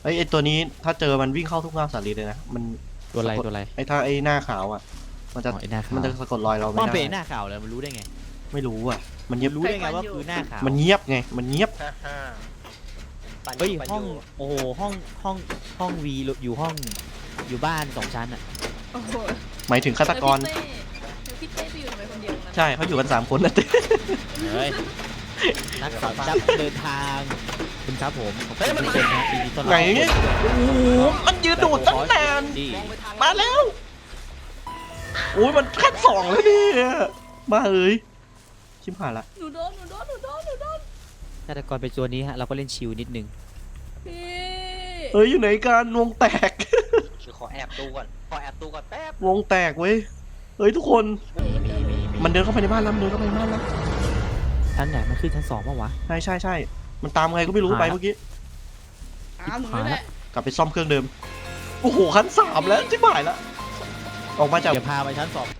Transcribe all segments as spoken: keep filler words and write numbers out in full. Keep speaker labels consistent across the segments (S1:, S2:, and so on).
S1: ไอ้ไอ้ตัวนี้ถ้าเจอมันวิ่งเข้าทุกเงาสาลีเลยนะมัน
S2: ตัวอะไรตัวอะไร
S1: ไอ้ถ้าไอ้หน้าขาวอ่ะมันจะมันจะสะกดรอยเราไม่ได้
S2: มันเป็นหน้าขาวเลยมันรู้ได้ไง
S1: ไม่รู้อ่ะมันเงียบ
S2: รู้ได้ไงว่าคือหน้าขาว
S1: มันเงียบไงมันเงียบ
S2: เฮ้ยห้องโอ้โหห้องห้องห้องวีอยู่ห้องอยู่บ้านสองชั้นอ่ะ
S1: หมายถึงฆาตกร
S3: พี่เต้ไปอยู่ทำไมคนเดียว
S1: ใช่เขาอยู่กันสามคนนะเต้
S2: เฮ้ยนักขับนักเดินทางคุณครับผมเฮ้ยมันเป็นนะปีนี้ต้น
S1: ไหนโอ้โหมันยืนดูดตั้งนานมาแล้วโอ้ยมันขั้นสองแล้วเนี่ยมาเอ้ยชิมหายละ
S3: หนูโดนหนูโดนหนูโดนหนูโดน
S2: ฆาตกรเป็นตัวนี้ฮะเราก็เล่นชิลนิดนึง
S1: เฮ้ยอยู่ไหนกันวงแตก
S4: ขอแอบดูก่อนขอแอบดูก่อนแป๊บ
S1: วงแตกเว้ยเฮ้ยทุกคนมันเดินเข้าไปในบ้านแล้วมันเดินเข้าไปในบ้านแล้ว
S2: ชั้นไหนมันขึ้นชั้นสองป่าววะ
S1: ใช่ใช่ใช่มันตามไงก็ไม่รู้ไปเมื่อกี้
S3: อ้าวหนูไม่ได้
S1: กลับไปซ่อมเครื่องเดิมโอ้โหขั้นสามแล้วชิบหายแล้วออกมาจาก
S2: เดี๋ยวพาไปชั้นสอง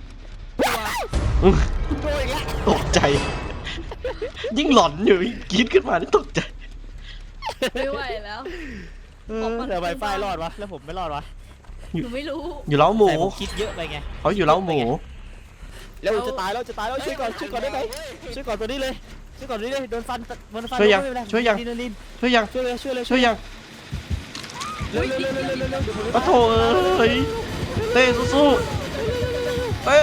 S1: ตกใจยิ่งหลอนอยู่กรี๊ดขึ้นมานี่ตกใจ
S3: ไม่ไหวแล้ว
S2: เดี๋ยวไวไฟรอดวะแล้วผมไม่รอดวะ
S3: หนูไม่รู้
S1: อยู่เล้าหมู
S2: คิดเยอะไปไง
S1: เขาอยู่เล้าหมู
S2: แล้วจะตายแล้วจะตายแล้วช่วยก่อนช่วยก่อนได้ไหมช่วยก่อนตัวนี้เลยช่วยก่อนตัวนี้เลยโดนฟันโดนฟัน
S1: ช่วยยังช่วยยังช่วยยัง
S2: ช่วยเลยช่วยเลย
S1: ช่วยยัง
S2: เร็วเร็วเร็วเร็วเร็วเร็ว
S1: ปะโถเอ้ยเต้สู้ๆเต้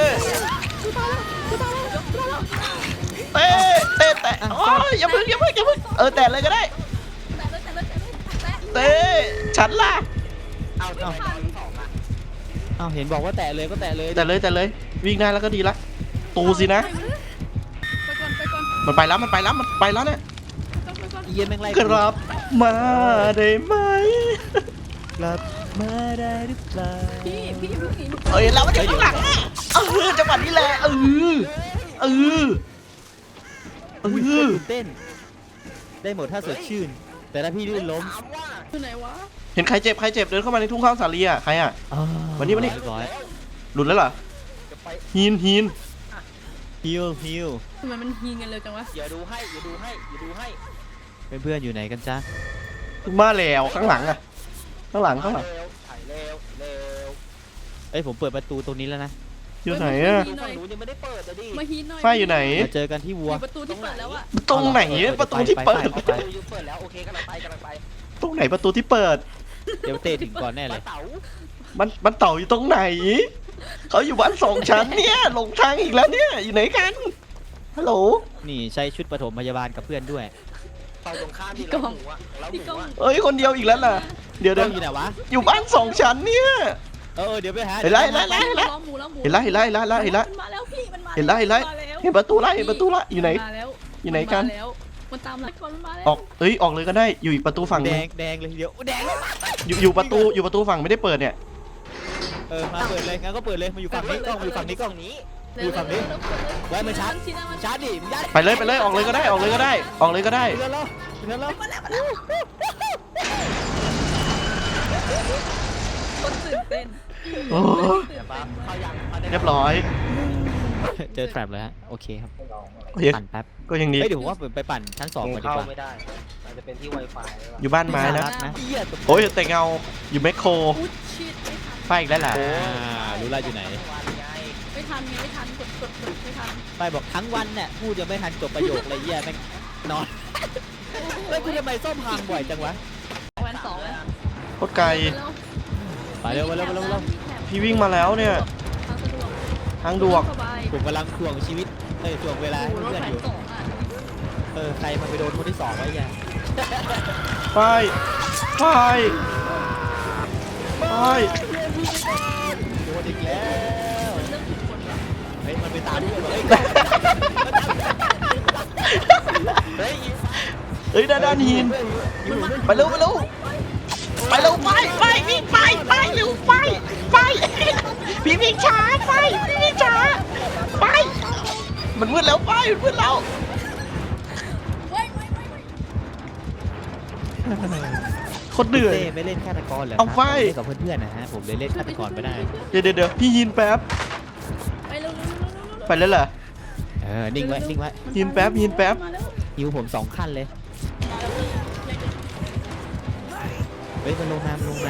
S1: เต้เต้แต่โอ้ยอย่าพึ่งอย่าพึ่งอย่าพึ่งเออแต่เลยก็ได้เต้ฉันล่ะ
S2: เอาเอาเอาเห็นบอกว่าแตะเลยก็แตะเลย
S1: แต่เลยแต่เลยวิ่งได้แล้วก็ดีละตูสินะมันไปแล้วมันไปแล้วมันไปแล้วเนี่ย
S2: เยี่ยมแม่งไร
S1: กลับมาได้ไหม
S2: กลับมาได้หรือเปล่า
S3: พี่พี่พี่
S1: เอ้ยเราไม่ได้ข้างหลังเออจังหวะนี้แหละเออเออเออ
S2: เต้นได้หมดถ้าสดชื่นแต่ถ้าพี่ลื่นล้ม
S3: คือไหนวะ
S1: เห็นใครเจ็บใครเจ็บเดินเข้ามาในทุ่งข้าวสาลีอ่ะใครอ่ะวันนี้วันนี้หลุดแล้วเหรอฮีนฮีน
S2: ฮิวฮิว
S3: ทำไมมันฮีนกันเลยจังวะ
S4: อย่าดูให้อย่าดูให้อย่าดูให้
S2: เพื่อนๆอยู่ไหนกันจ๊ะ
S1: มาแล้วข้างหลังอ่ะข้างหลังข้างหลัง
S4: ถ่ายเร็วเร็ว
S2: เอ้ยผมเปิดประตูตรงนี้แล้วนะ
S1: อยู่ไหนอ่ะ
S4: หนูยังไม่ได้เปิดเลยดิ
S3: มาฮีนหน่อย
S1: ไฟอยู่ไหน
S2: เจอกันที่วัว
S3: ประตูที่เปิดแล้วอะ
S1: ตรงไหนประตูที่เปิด
S4: เปิดแล้วโอเคกำลังไปกำลังไป
S1: ตรงไหนประตูที่เปิด
S2: เดี๋ยวเตะถึงก่อนแน่เลย
S1: มันมันเต่าอยู่ตรงไหนเขาอยู่บ้านสองชั้นเนี่ยหลงทางอีกแล้วเนี่ยอยู่ไหนกันฮัลโหล
S2: นี่ใช้ชุดปฐมพยาบาลกับเพื่อนด้วย
S4: เต่าตรงข้ามพี่
S3: กล้องพี่กล้อง
S1: เอ้ยคนเดียวอีกแล้วล่ะเดี๋ยวเดี๋ยว
S2: อยู่ไหนวะ
S1: อยู่บ้านสองชั้นเนี่ย
S2: เออเดี๋ยวไปหา
S1: เห็นไรเห็นไรเห็นไรเห็นไรเห็นไรเห็นไรเห็นไร
S3: มาแล้วพี่มันมา
S1: เห็นไรเห็นไรเห็นประตูละเห็นประตูละอยู่ไหนอยู่ไหนกัน
S3: มันตามหลังคนมาแล้ว
S1: ออกเอ้ยออกเลยก็ได้อยู่อีกประตูฝั่ง
S2: แดงแดงเลยเดี๋ยวแดง
S1: อยู่อยู่ประตูอยู่ประตูฝั่งไม่ได้เปิดเนี่ย
S2: เออมาเปิดเลยงั้นก็เปิดเลยมาอยู่ฝั่งนี้กล้องอยู่ฝั่งนี้กล้องนี้อยู่ฝั่งนี้ไว้มาชาร์จชาร์จดิ
S1: ไปเลยไปเลยออกเลยก็ได้ออกเลยก็ได้ออกเลยก็ได้
S2: เดี๋ยวเราเดี๋ยวเรา
S3: คนตื่นเต้น
S1: โอ้เรียบร้อย
S2: เจอแทรปเลยฮะโอเคครับปั่นแป๊บ
S1: ก็ยังดี
S2: เดี๋ยวผมว่าไปปั่นชั้นสองก่อนดีกว่า
S4: ไม่ได้มันจะเป็นที่ Wi-Fi
S1: อยู่บ้านไม้นะโอ้ยแต่เงาอยู่แมคโครไฟอีกแล้วล่ะ
S2: รู้ละอยู่ไหน
S3: ไม่ทันไม่ทันกดกดกดไม่ทัน
S2: ไปบอกทั้งวันเนี่ยพูดยังไม่ทันจบประโยคอะไรเงี้ยแม่งนอนแล้วคุณทำไมส้มพังบ่อยจังวะ
S3: วันสองแล้ว
S1: โคตรไกล
S2: ไปเร็วไปเร็วไปเร็ว
S1: พี่วิ่งมาแล้วเนี่ยทางดวก
S2: ผมกำลังถ่วงชีวิตเอ้ยถ่วงเวลาให้เพื่อนอยู่เออใครมาไปโดนคนที่สองไว้ยัง
S1: ไปไปไป
S2: โดนอีกแล้วเฮ้ยมันไปตามด้วย
S1: เฮ้ยเฮ้ยด้านด้านหินไปเร็วไปเร็วไปเร็วไปไปวิ่งไปไปเร็วไปไปพี่วิ่งช้าไปพี่วิ่งช้าไปมันมืดแล้วไปมันมืดแล้วคนเหนื่อย
S2: ไม่เล่นฆาตกรเหรอ
S1: เอาไฟ
S2: กับเพื่อนๆนะฮะผมเลยเล่นฆาตกรไม่ได้
S1: เดี๋ยวเดี๋ยวพี่ยินแป๊บ
S3: ไปเร็ว
S1: ไปแล้วเหรอ
S2: เออนิ่งไว้นิ่งไว้
S1: ยินแป๊บยินแป๊บ
S2: ฮิวผมสองขั้นเลยฮ้ยมันลงน้ำลงน้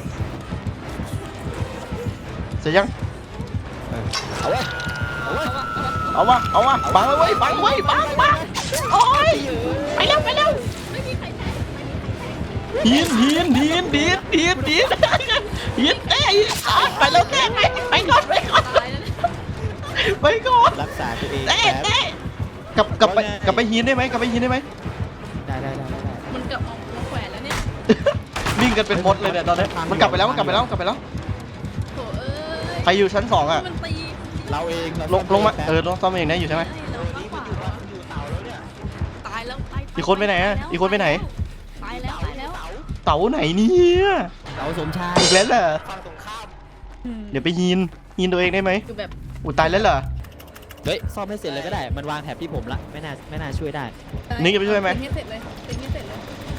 S1: เสร็จยัง
S2: ำเออ
S4: เอาไว้เอาไว้
S3: เอาวะเอาวะ
S1: เอาวะเอาวะบังเลยเว้ยบังเว้ยบังบังโอ้ยไปแล้วไปแล้ว
S3: ไม่มีใครแทง
S1: หินหินหินหินหินหินหินเต้ไปแล้วเต้ไปไปก่อนไปก่อน
S3: ตายแล้วเนี่ย
S1: ไปก่อน
S2: รักษาตัวเอง
S1: เต้
S2: แป๊บ
S1: เต้กลับกลับไปกลับไปหินได้ไหมกลับไปหินได้ไหม
S2: ได้ได้ได้ได้ได้
S3: มันเกือบออกมาแขวนแล้วเนี่ย
S1: วิ่งกันเป็นมดเลยเนี่ยตอนนี้มันกลับไปแล้วมันกลับไปแล้วกลับไปแล้ว
S3: โถเอ้ย
S1: ใครอยู่ชั้นสองอ่ะ
S3: มันตี
S2: เราเอง
S1: ลงลงมาเออลงซ่อมเองได้อยู่ใช่ไหม
S3: เราข้างขวา
S4: อยู่เต่าแล้วเนี่ย
S3: ตายแล้วตาย
S1: อีกคนไปไหนอะอีกคนไปไหน
S3: ตายแล้วตายแล้ว
S4: เต่า
S1: เต๋าไหนเนี่ย
S2: เราสมชาย
S1: อีกแล้วเหรอ
S4: ฝั่งตรงข้าม
S1: เดี๋ยวไปหินหินตัวเองได้ไหม
S3: คือแบบ
S1: อุยตายแล้วเหรอ
S2: เฮ้ยซ่อมให้เสร็จเลยก็ได้มันวางแถบที่ผมละไม่น่าไม่น่าช่วยได้
S1: นี่จะไปช่วยไหม
S3: เป็นให้เสร็จเลยเป็นให้เสร็จเลย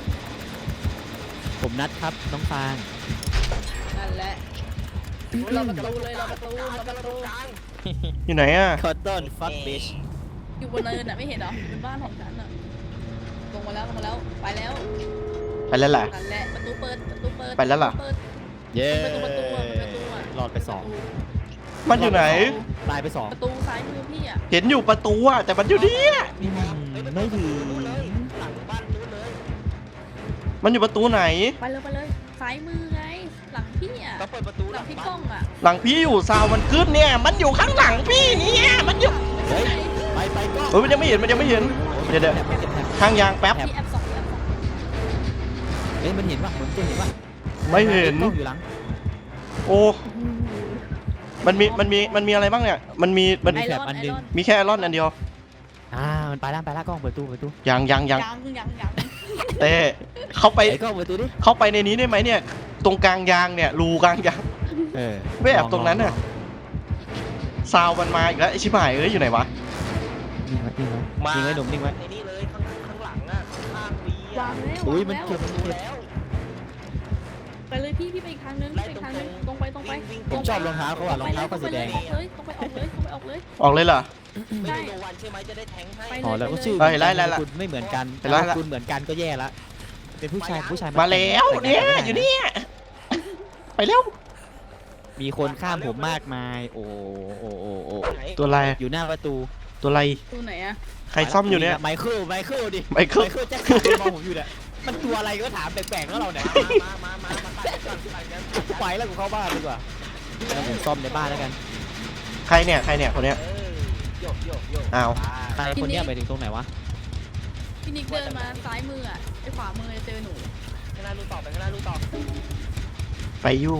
S2: ผมนัดครับน้องฟาง
S3: นั่นแหละเราประตูเลยเราประตูเราประตู
S1: อยู่ไหนอ่ะ
S2: คอตตอนฟัตบิช
S3: อยู่บนเนินอ่ะไม่เห็นเหรอเป็นบ้านของฉันอ่ะลงมาแล้วลงมาแล้วไปแล้ว
S1: ไปแล้วเหรอ
S3: นั่นแหละประตูเปิดประตูเปิด
S1: ไปแล้วเหรอ
S3: เปิด
S2: เย้
S3: ประตูประตูอะประตูอะ
S2: รอดไปสอง
S1: มันอยู่ไหน
S2: ตายไปสอง
S3: ประตูซ้ายมือพี่อ่ะ
S1: เห็นอยู่ประตูอ่ะแต่มันอยู่เนี่ย
S2: อืมไม่ถึง
S4: นู้นเลยหลังบ้านนู้นเลย
S1: มันอยู่ประตูไหน
S3: ไปเลยไปเลยซ้ายมือไงหลังพี่อ่ะ
S4: ต้องเปิดประตู
S3: หลังพี่
S4: บ้าน
S3: ก้องอ่ะ
S1: หลังพี่อยู่ซาวมันขึ้นเนี่ย มันอยู่ข้างหลังพี่เนี่ยมันอยู่
S2: เฮ้ยไปไปก็
S1: เฮ้ยมันยังไม่เห็นมันยังไม่เห็นเดี๋ยวเดี๋ยวข้างยางแป๊บ
S3: พี่แอปสองพี่แอปสอง
S2: เฮ้ยมันเห็นปะเหมือนจะเห็นปะ
S1: ไม่เห็น
S2: กล้องอยู่หลัง
S1: โอ้มันมีมันมีมันมีอะไรบ้างเนี่ยมันมีมัน
S3: ไอ
S2: แถ
S3: ร
S2: บ
S3: อน
S2: อัน
S3: ไอ
S2: หนึ่ง
S3: รอน
S1: มีแค่ไอรอนอันเดียว
S2: อ่ามันไปแล้วไปแล้วกล้องเปิดตู้เปิดตู้
S1: ยังยังยัง
S3: ยังยังยัง
S1: เต้เข้าไป
S2: ไอ้กล้องเปิดตู้ดิ
S1: เข้าไปในนี้ได้ไหมเนี่ย ตรงกลางยางเนี่ยรูกลางยาง
S2: เออ
S1: ไม่แอบตรงนั้นน่ะ ซาวมันมาอีกแล้วไอชิบหายเอ้ยอยู่ไหนวะ
S2: นิ่งไว้นิ่งไว้
S4: มา
S2: นิ่งไว้หนุ่มนิ่งไว้
S4: ในนี่เลยข้างข้างหลังอ่ะข้างวี
S3: วา
S4: อ่ะ
S3: งแล้ว
S2: อุ้ยว
S3: าง
S2: มัน
S3: แล้ว
S2: เก็บ
S4: ดูแล้ว
S3: ไปเลยพี่พี่ไปอีกทางนึงไปอีกทางนึงตรงไปตรงไป
S2: ผมชอบรองเท้าเขาอะรองเท้าเขาสีแดง
S3: ออกเลยตรงไปออกเลยตรงไปออกเลย
S1: ออกเลยเหรอ
S4: ไม่ได้โนวันใช่ไหมจะได้แทงให้
S3: ไป
S2: อ๋อแล้วก็ชื่อ
S1: เฮ้ยไล่ไล่ไล่
S2: คุณไม่เหมือนกัน
S1: ไล่ไล่
S2: คุณเหมือนกันก็แย่ละเป็นผู้ชายผู้ชาย
S1: มาแล้วเนี่ยอยู่เนี่ยไปแล้ว
S2: มีคนข้ามผมมากมาย โอ้โอ้โอ้โอ้
S4: ไหน
S1: ตัวอะไร
S2: อยู่หน้าประตู
S1: ตัวอะไร
S3: ดูไหนอะ
S1: ใครซ่อมอยู่เนี่ย
S2: ไมเคิลไมเคิลดิ
S1: ไมเคิล
S2: แจ็คสันมองผมอยู่เนี่ยมันตัวอะไรก็ถามแปลกๆแล้วเราเนี่ย
S4: มามามามามาตัดก่อนตัดกัน
S2: ไปแล้วกูเข้าบ้านดีกว่าแล้วผมซ่อมในบ้านแล้วกัน
S1: ใครเนี่ยใครเนี่ยคนเนี้ย
S4: เออโยกโยกโยก
S1: อ้าว
S2: ใครคนเนี้ยไปถึงตรงไหนวะ
S3: พี่นิกเดินมาซ้ายมืออะไอขวามือจะเจอหนู
S4: ข้างหน้าลูกต่อไปข้างหน้าลูกต่อ
S1: ไปอยู่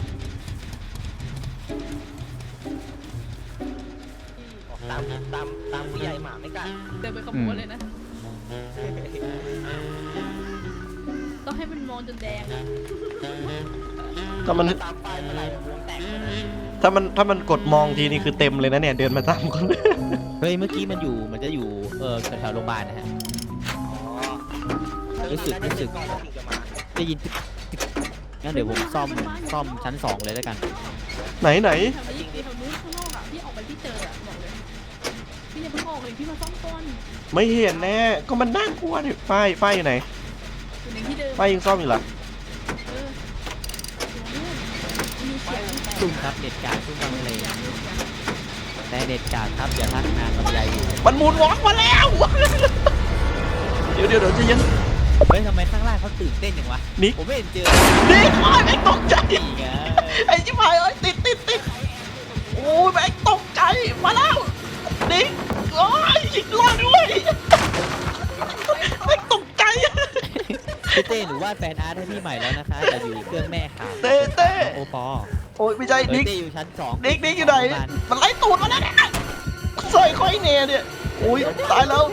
S4: ตามตามตามผู้ใหญ่หมาไม่กัด
S3: เดินไปขโมยเลยนะต้องให้มันมองจนแดงอะ
S1: ถ้ามัน
S4: ตามไปเมื่อไหร่วงแตกเลยนะ
S1: ถ้ามันถ้ามันกดมองทีนี่คือเต็มเลยนะเนี่ยเดินมาตามคน
S2: เฮ้ยเมื่อกี้มันอยู่มันจะอยู่เออแถวๆโรงพยาบาลนะฮะ รู้สึกรู้สึก ได้ยินตึ๊กตึ๊กงั้นเดี๋ยวผมซ่อมซ่อมชั้นสองเลยแล้วกัน
S1: ไหนไหน
S3: แถวนี้แถวนู้นข้างนอกอะพี่ออกไปที่เจออะบอกเลยพี่อย่าเพิ่งออกเลยพี่มาซ่อมก่อน
S1: ไม่เห็นแน่ก็มันน่ากลัวดิฝ้ายฝ้ายอยู่ไหน
S3: อยู่ในที่เดิม
S1: ฝ้ายยังซ่อมอยู่เหรอ
S3: เอออยู่นู่นมีเสียง
S2: ซุ่มครับเด็ดกาดซุ่มกลางทะเล
S3: เสียงมีเสียง
S2: แต่เด็ดกาดครับอย่าทักนานลำไยอยู่
S1: มันมูนวอล์กมาแล้ว เดี๋ยวเดี๋ยวเดี๋ยวใจะเย็น
S2: เฮ้ยทำไมข้างล่างเขาตื่นเต้นอย่างวะ
S1: นิก
S2: ผมไม่เห็นเจอ
S1: นี่โอ้ยแม่งตกใจ
S2: นี่ไง
S1: ไอ้ชิบหายเอ้ยติดติดติดโอ้ยแม่งตกใจมาแล้วนิกโอ้ยรอด้วยแม่งตกใจ
S2: พี่เต้หนูวาดแฟนอาร์ตให้พี่ใหม่แล้วนะคะแต่อยู่เครื่องแม่ค่ะ
S1: เต้เต้
S2: โอปอ
S1: โอ้ยไม่ใช่
S2: เออ
S1: นิก
S2: เต้อยู่ชั้นสอง
S1: นิกนิกอยู่ไหนมันไล่ตูดมาแล้วเนี่ยใส่ค่อยเนเนี่ยโอ้ยตายแล้ว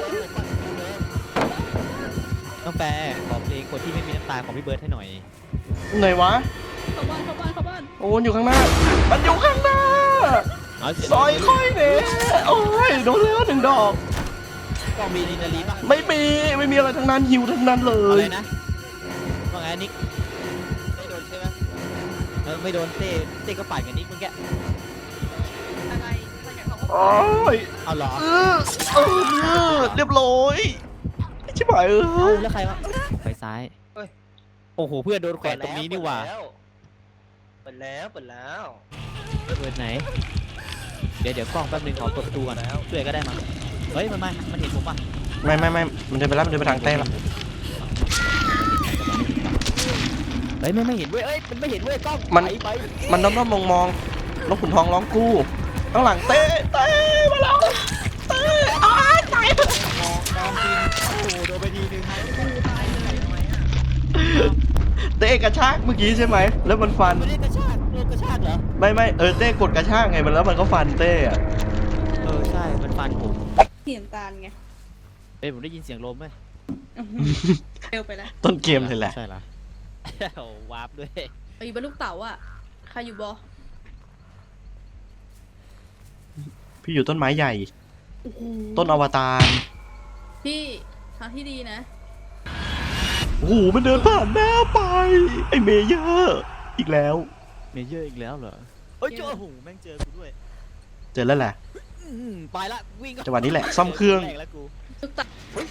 S2: น้องแปรขอเพลงคนที่ไม่มีน้ำตาของพี่เบิร์ดให้หน่อย
S1: ไหนวะ
S3: เข้าบ้านเข้าบ้านเข้าบ้าน
S1: โอ้ยอยู่ข้างหน้า มันอยู่ข้างหน้า
S2: เอาเสียง
S1: ซอยค่อยเนโอ้ยโดนแล้วหนึ่งดอก
S2: กล้องมีดินาลีป่ะ
S1: ไม่มีไม่มีอะไรทั้งนั้นหิวทั้งนั้นเล
S2: อะไร
S1: ย
S2: นะว่าไงนิก
S4: ไม่โดนใช่ไหม
S2: เออไม่โดนเต้เต้ก็ปั่นกับนิกเมื่อกี้
S3: อะไรอะไรกับเขา
S1: โอ้ย
S2: เอาเหรอ
S1: เออเออเรียบร้อยชิบหายเอ
S2: เอา
S1: อ
S2: แล้วใครวะไปซ้ายโอ้โหเพื่อนโดนแขวนตรงนี้นี่หว่า
S4: เปิดแล้วเปิดแล้ว
S2: เปิดไหนเดี๋ยวเดี๋ยวกล้องแป๊บนึงขอเปิดประตูก่อนช่วยก็ได้มั้งเฮ้ยมันมามันเห็นผมป่ะ
S1: ไม่ไม่ไม่มันเดินไปแล้วมันเดินไปทางเต้แล้ว
S2: เฮ้ยไม่ไม่เห็นเว้ยเอ้ยมันไม่เห็นเว้ยกล้อง
S1: มัน
S2: ไปไป
S1: มันน้อมน้อมมองมองนกขุนทองร้องกู้ข้างหลังเต้เต้มาแล้วเต้อ้ายตาย
S2: มองมองจริงโอ้โหโดนไปทีนึง
S1: เต้กระชากเมื่อกี้ใช่ไหมแล้วมันฟัน
S2: ไม่ได้กระชากโดนกระชากเหรอ
S1: ไม่ไม่เออเต้กดกระชากไงมันแล้วมันก็ฟันเต้อะ
S2: เออใช่มันฟันผม
S3: เสียงตาลไง
S2: เอ้ยผมได้ยินเสียงลมไหม
S3: เร็วไปแล้ว
S1: ต้นเกมเลยแหละ
S2: ใช่ละโอ้วาร์ปด้วย
S3: ไปอยู่บนลูกเต๋าอ่ะใครอยู่บอ
S1: พี่อยู่ต้นไม้ใหญ่
S3: โอ้โห
S1: ต้นอวตาร
S3: พี่ทางที่ดีนะ
S1: โอ้โหมันเดินผ่านหน้าไปไอเมเยอร์อีกแล้ว
S2: เมเยอร์อีกแล้วเหรอเฮ้ยเจอโอ้โหแม่งเจอกูด้วย
S1: เจอแล้วแหละ
S2: อืมไปละวิ่ง
S1: จังหวะนี้แหละซ่อมเครื่อง
S2: แกแล้วกู
S3: ลูกเต๋า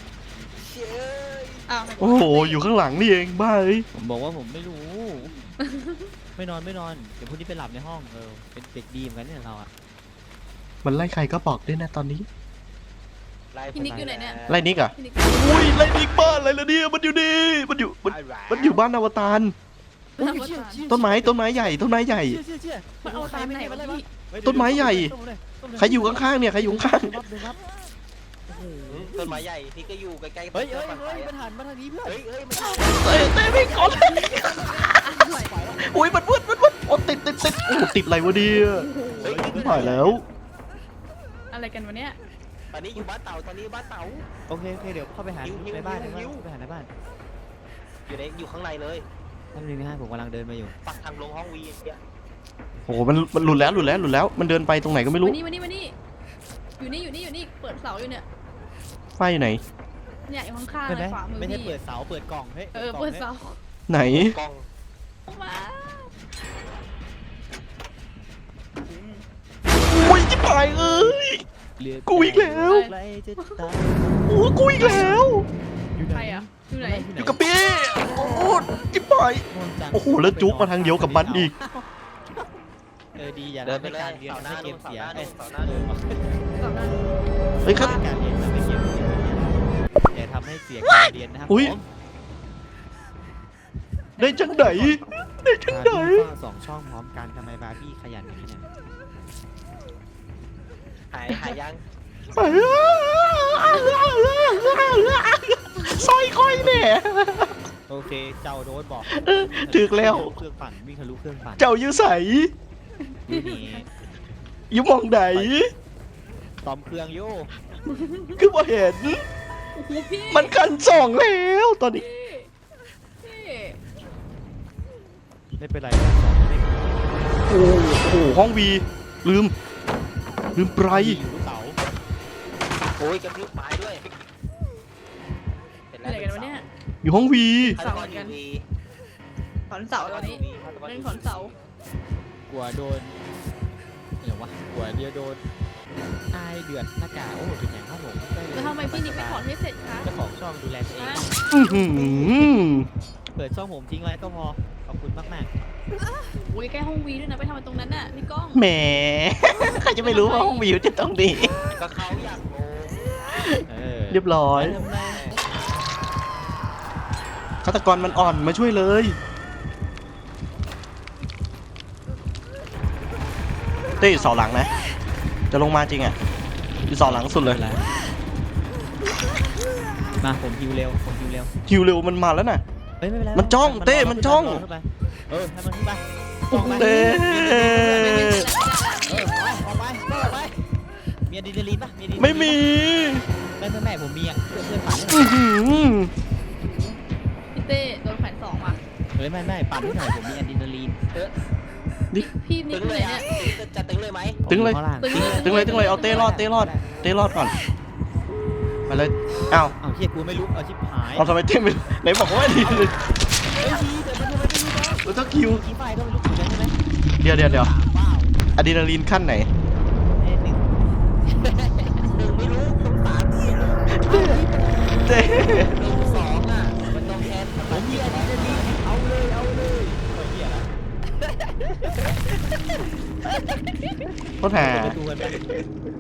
S3: อ้าว
S1: โอ้โหอยู่ข้างหลังนี่เองบ้าเอ้ย
S2: ผมบอกว่าผมไม่รู้ ไม่นอนไม่นอนเดี๋ยวพรุ่งนี้ไปหลับในห้องเออเป็นเด็กดีเหมือนกันเนี่ยเราอะ
S1: มันไล่ใครก็บอกด้วยนะตอนนี้
S3: พี่นิกอยู่ไหนเนี่ย
S1: ไล่นิกอะ
S3: พี่นิก
S1: อุ้ยไล่นิกบ้านอะไรล่ะเนี่ยมันอยู่นี่มันอยู่มันมันอยู่บ้านอวตาร
S3: ทางวัดตาล
S1: ต้นไม้ต้นไม้ใหญ่ต้นไม้ใหญ่
S2: เชี่ยเชี่ยเชี่ย
S3: มันเอาตามไหนวะพี่
S2: เฮ้ย
S1: ต้นไม้ใหญ่
S2: ต้นเลยต้นเลย
S1: ใครอยู่ข้างๆเนี่ยใครอยู่ข้าง
S2: เดี๋ยวรับเดี๋ยวรับโอ้โห
S4: ต้นไม้ใหญ่ที่ก็อยู่ใกล้ๆ
S2: เฮ้ยเฮ้ยเฮ้ยมันหันมาทางนี้เพื่อน
S4: เฮ้ยเฮ้ยมัน
S1: ๆเต้เต้ไม่ก่อนอุ้ยมันวืดมันวืดโอ้ติดติดติดโอ้ติดอะไรวะเนี่ย
S4: เฮ้ย
S1: ไม่ถ่ายแล้ว
S3: อะไรกันวะเนี่ย
S4: ตอนนี้อยู่บ้านเต่าตอนนี้บ้านเต่า
S2: โอเคโอเคเดี๋ยวเข้าไปหา
S4: หิวหิว
S2: ในบ้านใน
S4: หิ
S2: บ้าน
S4: ว
S2: เข้าไปหาในบ้าน
S4: อยู่ในอยู่ข้างในเลย
S2: แป๊บนึงนะฮะผมกำลังเดินมาอยู่
S4: ปักทางลงห้องวีเนี่ย
S1: โอ้โหมันมันหลุดแล้วหลุดแล้วหลุดแล้วมันเดินไปตรงไหนก็ไม่รู้
S3: วันนี้วันนี้วันนี้อยู่นี่อยู่นี่อยู่นี่เปิดเสาอยู่เนี่ย
S1: ไฟอยู่ไหน
S3: เนี่ยอยู่ข้างๆ
S2: ไม่
S3: เล
S2: ได้
S3: ยขวามือ
S2: ไม่ใช่
S3: พี่
S2: เปิดเสาเปิดกล่องเฮ้ย
S3: เออเปิดเสา
S1: ไหน
S4: กล้อง
S3: ออกมา
S1: อุ้ยจิ๋ปายเอ้ย
S2: เหลื
S1: กูอีกแล้ว
S2: ใกล้จะตาย
S1: โอ้กูอีกแล้ว
S2: อยู่
S3: ใค
S2: ไหน
S3: รอ่ะอยู่ไหน
S1: อยู่กับพี่โอ้จิ๋ปาย
S2: ง่วงจัง
S1: โอ้โหแล้วจุกมาทางเดียวกับมันอีก
S2: เออดีอย่า
S4: เดินไป
S2: ทำให้
S4: เลย
S2: การเรียน
S4: เสาหน้า
S2: ให้เก
S4: นู่
S2: ม
S4: นเสา
S2: เสี
S4: ห
S2: ย
S4: น้า
S2: เอ้
S4: นู่
S2: ย
S4: นเสาหน้านู่น
S3: เสาหน้า
S1: เฮ้ยครับ
S2: การเรียนทำให้เกมเสียอย่าทำให้เสียการเรียนนะครับ
S1: อุ๊ย
S2: ผม
S1: ได้จังไหนได้จังไหน
S2: บาร์บี้ก็สองช่องพร้อมกันทำไมบาร์บี้ขยันอย่างนี้เนี่ย
S4: หายหายยัง
S1: ซอยค่อยเนี่ย
S2: โอเคเจ้าโดนบอก
S1: เออถึกแล้ว
S2: เครื่องปั่นวิ่งทะลุเครื่องปั่น
S1: เจ้าอยู่ใส
S2: นี่นี่
S1: อยู่มองไหน
S2: ตอมเครื่องโย่
S1: คือบ่เห็น
S3: โอ้โหพี่
S1: มันกันสองแล้วตอนนี้
S3: พี่
S2: ไม่เป็นไรนะสองไม่เป็นไร
S1: โอ้โหห้องวีลืม ลืมไป
S2: อยู่ลูกเต๋า
S4: โอ้ยกระพริบไม้ด้วยเสร็จ
S3: อะ
S4: แล้ว
S3: ไรกันวะเนี่ย
S1: อยู่ห้องวี
S4: ฆาตกรอยู่วี
S3: ถอนเสาตอนนี้เล่นถอนเสาก
S2: ลัวโดนเดี๋ยววะกลัวเดียวโดนอายเดือดหน้ากากโอ้โหถึงไหนครับผมด้เลย
S3: แล้วทำไมพี่นิกไม่ถอนให้เสร็จคะ
S2: เจ้าของช่องดูแลตัวเอง
S3: ฮะ
S1: อื้อหือ
S2: เปิดช่องผมทิ้งไว้ก็พอขอบคุณมากมาก
S3: โอ้ยใกล้ห้องวีด้วยนะไปทำมันตรงนั้นน่ะพี่ก้อง
S1: แหม ใครจะไม่รู้ว่าห้องวีอยู่ที่ตรงนี้
S4: ก็เขาอยากโง
S2: ๆเออ
S1: เรียบร้อย
S2: ทำไม
S1: ฆาตกรมันอ่อนมาช่วยเลย เต้อยู่เสาหลังนะ จะลงมาจริงอ่ะอยู่เสาหลังสุดเลย
S2: อะไรมาผมฮิวเร็วผมฮิวเร็ว
S1: ฮิวเร็วมันมาแล้วน่ะ
S2: เฮ้ยไม่เป็นไร
S1: มันจ้องเต้มันจ้อง
S2: ขึ้นไปเออให้มันขึ้นไปจ้องไป
S1: เต้
S2: เออไปออกไปก็ออกไปมีอะดรีนาลีนปะมีอะดรีนาลีน
S1: ไม่มี
S2: ไม่ไม่ไม่ผมมีอ่ะเพื่อนเพื่อนปั่นให้หน่
S1: อื้
S2: อย
S1: อหือ
S3: พี่เต้โดนแขวนสองว่ะ
S2: เฮ้ยไม่ไม่ปั่นให้หน่อยผมมีอะดรีนาลีน
S3: พี่นิ
S4: ตึ
S3: ก
S4: ง
S3: อยู่
S4: เล
S3: ไหน
S4: ย
S3: เนี่
S4: อ่ะ
S3: ย
S4: จะตึงเลยไหม
S1: ตึงเลย
S2: ผมอข้าาง
S3: ตึงเลย
S1: ตึงเลยตึงเลยเอาเต้รอดเต้รอดเต้รอดก่อนไปเลยอ้าว
S2: เอาเฮียกูไม่รู้เอาชิบหาย
S1: เอาทำไมเต้ไม่ไหนบอกว่าดีเลย
S2: เฮ้ยทีแต่มันทำไมไม่รู้เนาะ
S1: มันต้องคิว
S2: ขี้ไฟก็ไม่รู้เหมือนกันใช่ไหม
S1: เดี๋ยวเดี๋ยวเดี๋ยว
S2: สามว้าว
S1: อะดรีนาลีนขั้นไหน
S2: เอ้ยหนึ่ง
S4: หนึ่งไม่รู้ต้องสามที่
S1: เต้
S4: หนึ่งสองอ่ะมันต้องแทน
S2: ผมมีอะดรีนาลีนเอา
S1: โคตรหา
S2: เปิดประตูกันไป